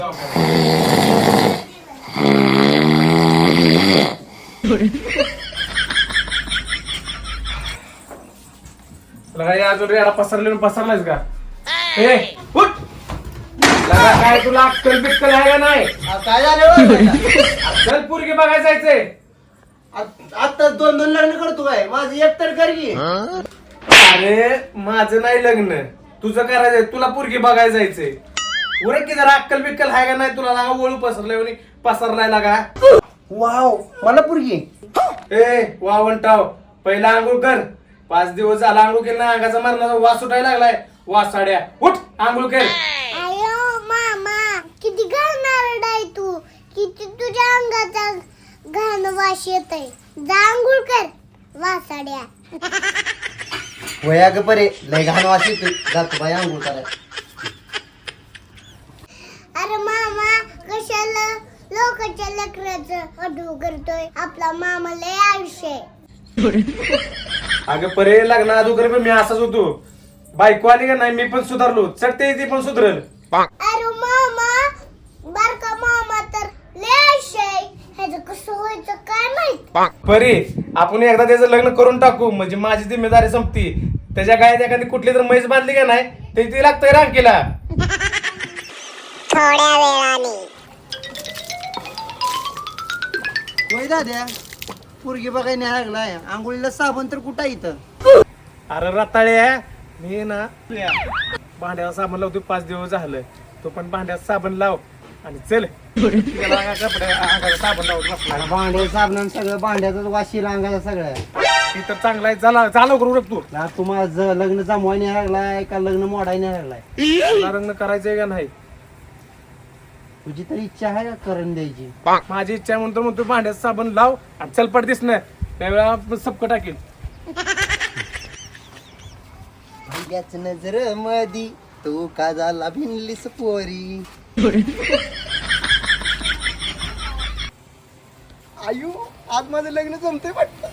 अजून रेडा पसरलायस का? उठ. काय तुला अक्कल बिक्कल आहे का नाही? काय झालं? चल पोरगी बघायला जायचंय. आता 2-2 लग्न करतो काय? माझं एकतर कर की. अरे माझं नाही लग्न, तुझं करायचंय. तुला पोरगी बघायला जायचंय. उरक की जरा अक्कल बिक्कल आहे का नाही तुला? लागा वळू पसरलाय लागा. वाव, मला पुरगी. वावंटाव पहिला आंघोळ कर. 5 दिवस झाला आंघोळ केलं नाही, अंगाचा मरणाचा वास सुटायला लागलाय. वासाड्या उठ आंघोळ कर. अयो मामा, किती घाण आहे तू. किती तुझ्या अंगाचा घाण वास येतय. जा आंघोळ कर वासाड्या. वया ग परे, लय घाण वास येतोय. जातो बाई आंघोळ करायला. अरे मामा, कशाला लोकांच्या लेकराचं अडू करतोय. आपला मामा लय आयुष्य आहे. अगं परे लग्न अगोदर पण मी असाच होतो. बायको आली का नाही मी पण सुधारलो. चटते ती पण सुधरल. अरे मामा, बारका मामा तर लय आयुष्य आहे. ह्याचं कसं व्हायचं काय माहित. परे आपण एकदा त्याचं लग्न करून टाकू, म्हणजे माझी जिम्मेदारी संपती. त्याच्या गायत एखादी कुठली तर म्हैस बांधली का नाही ते ती लागतंय रांकीला. थोड्या वेळाने वय दाद्या, पुरगी बघाय नाही लागलाय. आंघोळीला साबण तर कुठं इथं? अरे रताळ्या, मी ना भांड्याला साबण लावतो. 5 दिवस झालं. तो पण भांड्यात साबण लाव आणि चल. अंगाला साबण लावत बसला. भांड्या साबण सगळं भांड्याचा वाशी अंगाचा सगळं. ती तर चांगला आहे. चालव करू तू. तुम्हाला लग्न जमवाय नाही लागलाय का लग्न मोडाय नाही लागलाय? तुला लग्न करायचंय का नाही? तुझी तरी इच्छा आहे का करून द्यायची? माझी इच्छा आहे म्हणतो तू भांड्यात साबण लाव आणि चलपट दिसणं. त्यावेळेला सबक टाकेल. भाग्याच नजर मधी तू का झाला भिनलीस पोरी. आयु, आज माझं लग्न जमतंय वाटतं.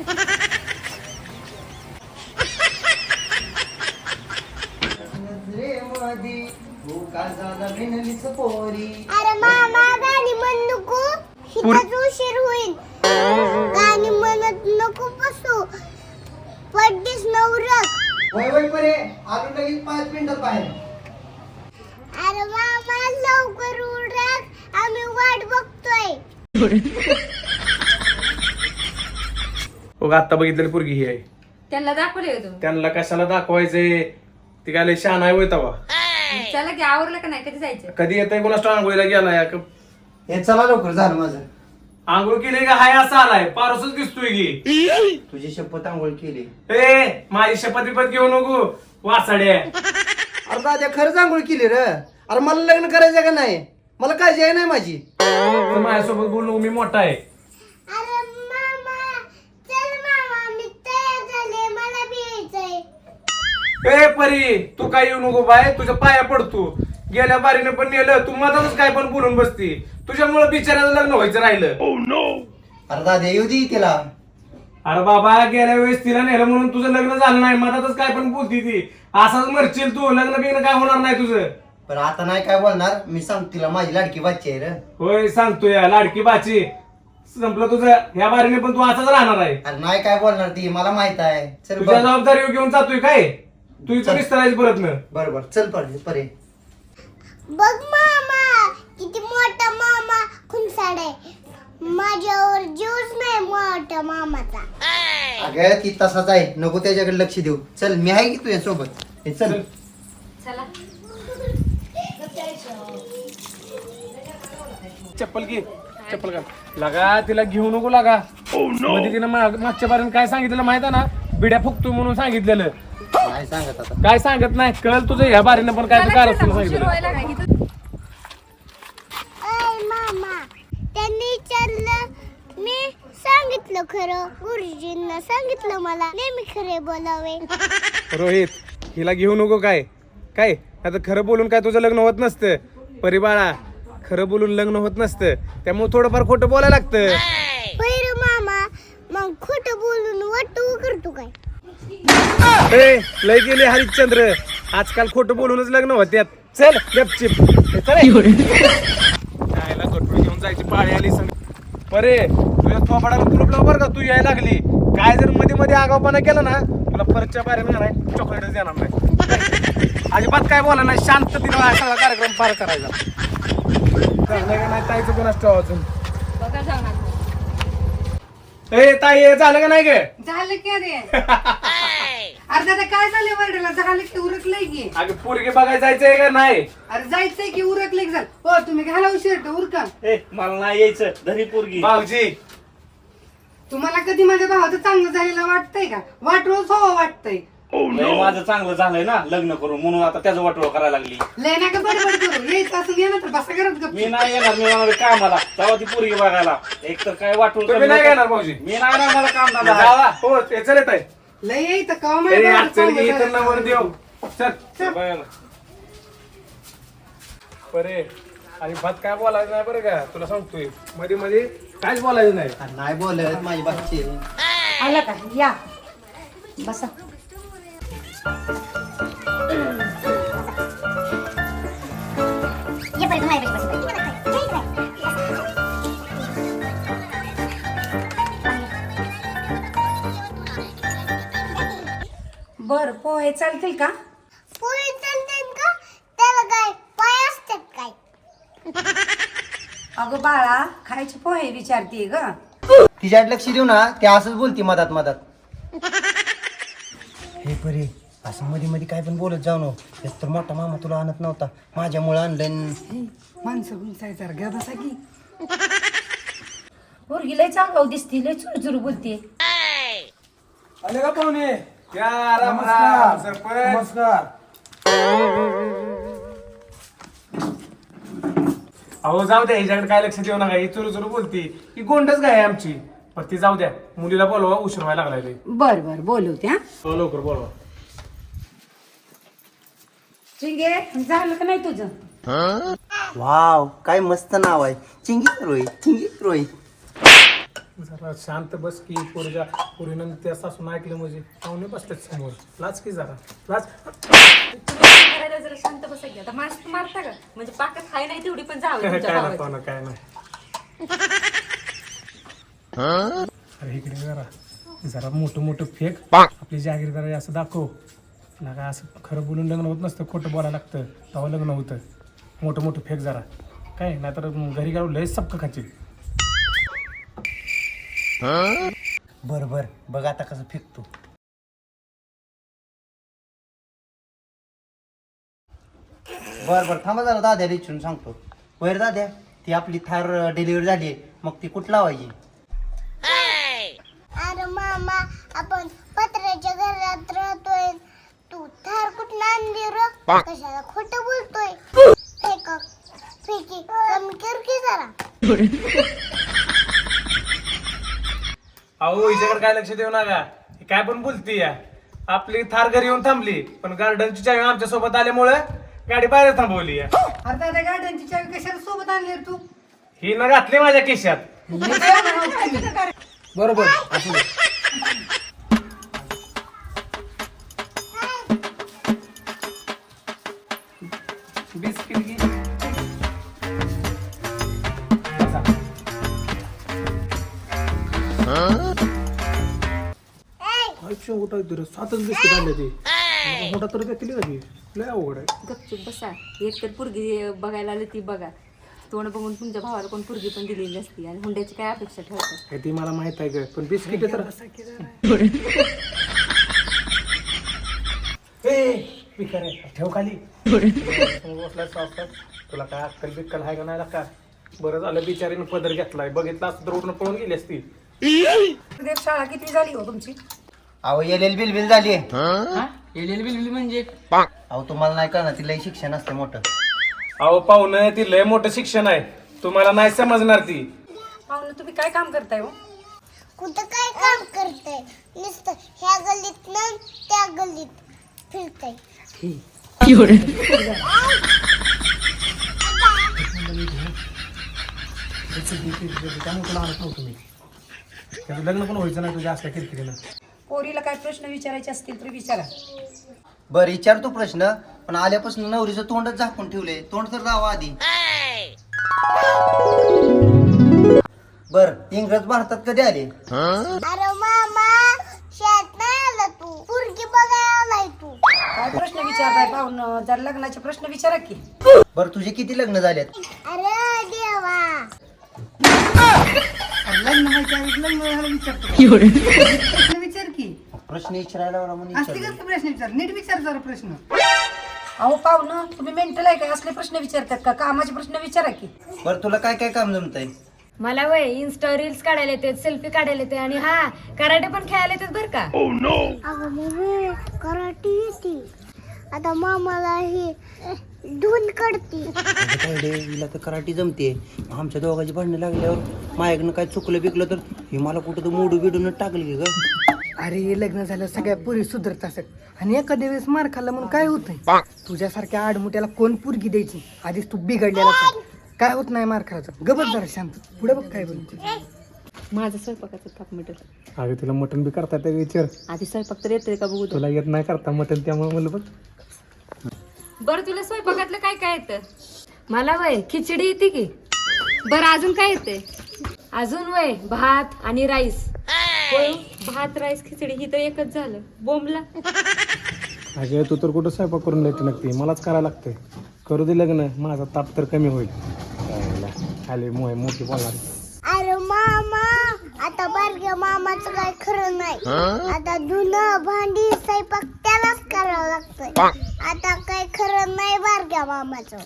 नजरे मधी तू का झाला भिनलीस पोरी. अरे मामा, गाणी म्हण नको. हिताच उशीर होईल. गाणी म्हणत नको बसू. पड्डीस नवरक. वय वय परे, आलो लगेच 5 मिनिटात बाहेर. अरे मामा, लवकर उरक. आम्ही वाट बघतोय. आता बघितलेली पोरगी ही आहे. त्यांना दाखवले का तुम्ही? त्यांना कशाला दाखवायचंय? ती काय लय शहाणा आहे होय तवा. चला की, आवरलं का नाही? कधी जायचं? कधी येतंय कोणास आंघोळीला गेलाय? हे चला लवकर, झालं माझं. आंघोळ केली का हाय असा आलाय? पारसच दिसतोय की. तुझी शपथ आंघोळ केली. माझी शपथ बिपत घेऊ नको वासाड्या. अरे दाद्या, खरंच आंघोळ केली रे. अरे मला लग्न करायचं का नाही? मला काळजी आहे नाही माझी. तर माझ्यासोबत बोलू, मी मोठा आहे. अरे मामा, चल मामा, मी तयार झाले. मला बी यायचंय. परी तू काय येऊ नको बाय, तुझ्या पाया पडतो. गेल्या बारीने पण नेलं, तू मधातच काय पण बोलून बसती. तुझ्यामुळे बिचाऱ्याचं लग्न व्हायचं राहिलं. अरे दाद्या, येऊ दे तिला. अरे बाबा, गेल्या वेळेस तिला नेलं म्हणून तुझं लग्न झालं नाही. मधातच काय पण बोलती ती. असाच मरशील तू. लग्न बिग्न काय होणार नाही तुझं. पण आता नाही काय बोलणार. मी सांग तिला, माझी लाडकी बाची आहे रे. होय सांगतोय, लाडकी बाची. संपलं तुझं. ह्या बारीने पण तू असाच राहणार आहे. अरे नाही काय बोलणार ती, मला माहित आहे. चल तुझ्या जबाबदारी घेऊन जातोय काय? तू इथं चल. निस्तरायचं परत न. बरोबर, चल परे. बघ मामा, किती मोठा मामा खुंसाड आहे. माझ्यावर जीवच नाही मोठ्या मामाचा. अगं ती तसाच आहे, नको त्याच्याकडे लक्ष देऊ. चल, मी आहे की तुझ्या सोबत. हे चल. चला. चप्पल घे, चप्पल घाल. लगा तिला घेऊ नको लागा. मध्ये तिनं मागच्या बारीने काय सांगितलेलं माहित आहे ना? बिड्या फुकतोय म्हणून सांगितलेलं. काय सांगत आता? काय सांगत नाही. कळ तुझं ह्या बारीनं पण काय चला, तुला चला, उशीर सांगितलं. व्हायला काय इथं? ऐ मामा, त्यांनी विचारलं, मी सांगितलं खरं. गुरुजींना सांगितलं मला नेहमी खरे बोलावे. रोहित, हिला घेऊ नको. काय काय आता खरं बोलून काय तुझं लग्न होत नसतं. परिबाळा, खरं बोलून लग्न होत नसतं. त्यामुळे थोडंफार खोटं बोलायला लागतं. होय मामा, मग खोटं बोलून वाटू करतो काय? लय गेले हरिश्चंद्र. आजकाल खोटं बोलूनच लग्न होत्यात. चल गपचिप. खायला गटूळ घेऊन जायची पाळी आली संग. बरे तुझ्या थोपाडाला तुला बरं का, तू यायला लागली काय जर मध्ये मध्ये आगावपणा केला ना तुला परतच्या बाहेर नाही चॉकलेटच देणार नाही. अजिबात काय बोला नाही, शांततेने हा सगळा कार्यक्रम पार करायचा. झालं का नाही ताईचं कोणाच ठेवा अजून. बघा जाऊन आता. ए ताई हे झालं का नाही गे? झालं की अरे अरे दादा काय झालं वर्डेला झालं की उरकलंय की अगं पोरगी बघायला जायचंय का नाही? अरे जायचंय की उरकलंय की झालं हो तुम्ही घाला शर्ट उरका मला नाही यायचं धरी पोरगी. भाऊजी तुम्हाला कधी माझ्या भावाचं चांगलं झालेलं वाटतंय का वाटरोच हो वाटतंय नाही, माझं चांगलं झालंय ना लग्न करून, म्हणून आता त्याचं वाटोळ करायला लागली. लय ना का बडबड करू यायचं असं घे ना तर बसा करत गप्प. मी नाही येणार, मी येणार कामाला तेव्हा ती पोरगी बघायला. एक तर काय वाटून तुम्ही नाही घेणार भाऊजी? मी नाही ना, मला काम धंदा आहे. जावा. हो ते चलत आहे. लय यायचं का ए, आज चल की इथं नवर देव. चल बघायला. बरे आणि भात काय बोलायचं नाही बरं का, तुला सांगतोय मध्ये मध्ये काहीच बोलायचं नाही. नाही बोलत माझी बाची आला का या बसा ये पहिले माझ्या बर पोहे चालतील का पोळी चालतात का? त्याला काय पाय असतात काय? अगं बाळा खायचे पोहे विचारते ग तिच्यात लक्ष देऊ ना ते असंच बोलती मधात मधात. हे परे असं मध्ये मध्ये काय पण बोलत जाऊ नको. एक तर मोठा मामा तुला आणत नव्हता, माझ्यामुळे आणलं. माणसं गुंचायचं ग बसा की पोरगी लय चांगलं दिसते लय चुरचुर बोलते आले का पाहुणे? या राम राम सरपंच. नमस्कार. अहो जाऊ द्या, हिच्याकडे काय लक्ष देऊ नका. ही चुरू चुरू बोलती, ही गोंडच काय आमची. पण ती जाऊ द्या, मुलीला बोलवा, उशीर व्हायला लागलाय ते. बर बर बोलवते हा हो, लवकर बोलवा. ठीक आहे झालं का नाही तुझं वाव काय मस्त नाव आहे, चिंगी रोई चिंगी रोई. जरा शांत बस की. पोरीनं त्या सासून ऐकलं म्हणजे पाहुणे बसतात समोर. लाच की जरा लाच. करायला जरा शांत बसा की. आता मास्क मारता का म्हणजे पाकच हाय नाही तेवढी पण जावं तुमच्या काय भावाची. नाही काय नाही. अरे इकडे जरा जरा मोठं फेक आपली जागीरदारी असं दाखव ना. काय असं खरं बोलून लग्न होत नसतं, खोटं बोलायला लागतं तेव्हा लग्न होतं. मोठं फेक जरा काय, नाहीतर घरी गाव लय सबक खाची. बर बर बघ आता कसं फेकतो. बर थांबा जरा दाद्याला इच्छून सांगतो. बर दाद्या ती आपली थार डिलिव्हरी झाली मग ती कुठं लावायची? अरे मामा आपण पत्र्याच्या घरात राहतोय, तू थार कुठं आणली र? कशाला खोटं बोलतोय? फेकी कमी कर की जरा. अहो हिच्याकडे काय लक्ष देऊ नका. ही काय पण बोलती या. आपली थार घरी येऊन थांबली, पण गार्डनची चावी आमच्या सोबत आल्यामुळे गाडी बाहेर थांबवली या. अरे दादा गार्डनची चावी कशाला सोबत आणली रे तू ही न घातली माझ्या केशात. बरोबर असू दे. बिस्किट घे. बसा. आयुष्य मोठा आहे, 7च बिस्किट आणले ते. मोठा तर काय केली का ती? लय अवघड आहे. गपचूप बसा. एक तर पोरगी बघायला आली ती बघा. तोंड बघून तुमच्या भावाला कोण पोरगी पण दिलेली असती आणि हुंड्याची काय अपेक्षा ठेवतात. हे ती मला माहित आहे का, पण बिस्किट तर बिकर आहे. ठेव खाली. बसलाय सावकाश. तुला काय अक्कल बिक्कल आहे का नाही का? बरं झालं बिचारीनं पदर घेतलाय. बघितला असतं तर उठून पळून गेली असती. शाळा किती झाली हो तुमची अहो एल बिल झाली. एल म्हणजे अहो तुम्हाला नाही कळणार, तिला शिक्षण असते मोठं. अहो पाहुणं, ती लय मोठं शिक्षण आहे, तुम्हाला नाही समजणार ती. पाहुणे तुम्ही काय काम करताय हो कुठं काय काम करतय? नुसतं ह्या गल्लीत ना त्या गल्लीत फिरतय. त्यामुळे तुला आणत नव्हतं मी. त्याचं लग्न पण व्हायचं नाही तुझ्या असल्या किरकिरीनं. पोरीला काय प्रश्न विचारायचे असतील तर विचारा बरं विचारतो प्रश्न. पण आल्यापासून नवरीचं तोंडच झाकून ठेवलंय. तोंड तर जावं आधी. बर इंग्रज भारतात कधी आले? अरे मामा शाळेत नाही आला तू पोरगी बघायला आलाय तू. काय प्रश्न विचारताय पाहुणं? जर लग्नाचे प्रश्न विचारा की. बर तुझे किती लग्न झालेत? अरे देवा अरे लग्न व्हायच्या आधीच लग्न व्हायला विचारतो. प्रश्न विचार की. प्रश्न विचारायला मला म्हणून असते विचारलं. कसले प्रश्न विचार? नीट विचार जरा प्रश्न. अहो पाहुणं तुम्ही मेंटल आहे का? असले प्रश्न विचारतात का? कामाचे प्रश्न विचारा की. बर तुला काय काय काम जमतंय? मला वय इन्स्टा रील्स काढायला येते, सेल्फी काढायला येते आणि हा कराटे पण खेळायला येतात बरं का. अगं मम्मी कराटे येते. आता मामाला हे धुन काढते. अगं काय रे, हिला तर कराटी जमते. आमच्या दोघांची भांडणं लागल्यावर माझ्याकडनं काय चुकलं बिकलं तर हे मला कुठं तर मोडू बिडूनच टाकलं की ग. अरे लग्न झालं सगळ्या पुरी सुधरत असत आणि एखाद्या वेळेस मार खाल्ला म्हणून काय होतंय? तुझ्यासारख्या आडमुट्याला कोण पुरगी द्यायची? आधीच तू बिघडलेला सांग. काय होत नाही मार खायचं. गबत जरा शांत. पुढे बघ काय बोलते. माझं स्वयंपाकाचं ताप मिटल. अरे तुला मटण बी करता येतं विचार. आधी स्वयंपाक तर येते का बघू. तुला येत नाही करता मटण, त्यामुळे म्हणलं बघ. बरं तुला स्वयंपाकातलं काय काय येतं? मला वय खिचडी येते की. बरं अजून काय येते? अजून वय भात आणि राईस. होय, भात राईस खिचडी ही तर एकच झालं. बोंबला. अगं तू तर कुठं स्वयंपाक करून द्यायची नक्की, मलाच करायला लागतंय. करू दे लग्न, माझा ताप तर कमी होईल. आले मोठी बोलणार. अरे मामा आता बारक्या मामाचं काय खरं नाही. आता धुणं भांडी स्वयंपाक त्यालाच करावं लागतंय. आता काय खरं नाही बारक्या मामाचं.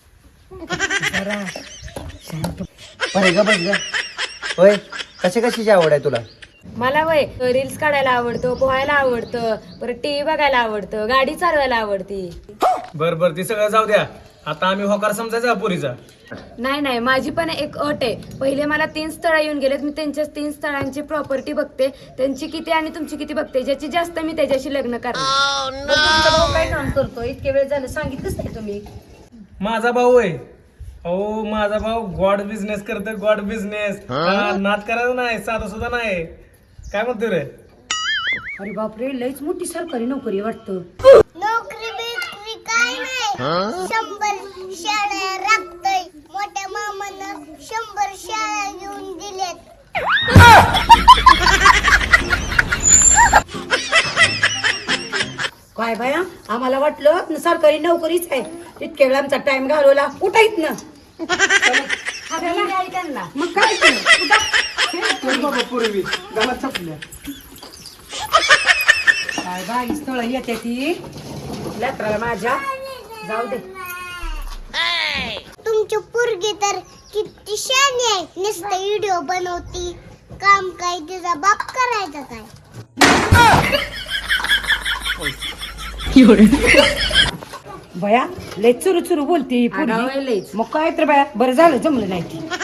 अरे ग बस ग. होय कशाची आवड आहे तुला? मला वय रील्स काढायला आवडतं, पोहायला आवडतं, परत टीव्ही बघायला आवडतं, गाडी चालवायला आवडती. बर ते सगळं जाऊ द्या. आता आम्ही होकार समजायचा पुरीचा. नाही नाही, माझी पण एक अट आहे. पहिले मला 3 स्थळं येऊन गेलेत. मी त्यांच्या 3 स्थळांची प्रॉपर्टी बघते, त्यांची किती आणि तुमची किती बघते. ज्याची जास्त मी त्याच्याशी लग्न करणार. तुमचा भाऊ काय काम करतो? इतके वेळ झालं सांगितलंच नाही तुम्ही. माझा भाऊ आहे. अहो माझा भाऊ गॉड बिझनेस करतोय. God business. नाद करायचा नाही, साधा सुद्धा नाही. काय म्हणतो रे? अरे बापरे लईच मोठी सरकारी नोकरी वाटतं. नोकरी बिकरी काय नाही. 100 शाळा राखतोय. मोठ्या मामानं 100 शाळा घेऊन दिल्यात. काय बाया आम्हाला वाटलं सरकारी नोकरीच आहे. इतक्या वेळ आमचा टाइम घालवला. कुठं येत ना त्यांना मग काय केलं? पूर्वी गाला छपल्या. काय बाई स्थळ येते ती लेकराला माझ्या. जाऊ दे. तुमची पोरगी तर किती शहाणी आहे. नुसतं व्हिडिओ बनवती. काम काय तिचा बाप करायचा काय. बया लय चुरू चुरू बोलती आगाऊ आहे लयच. मग काय तर बाया बरं झालं जमलं नाही ती.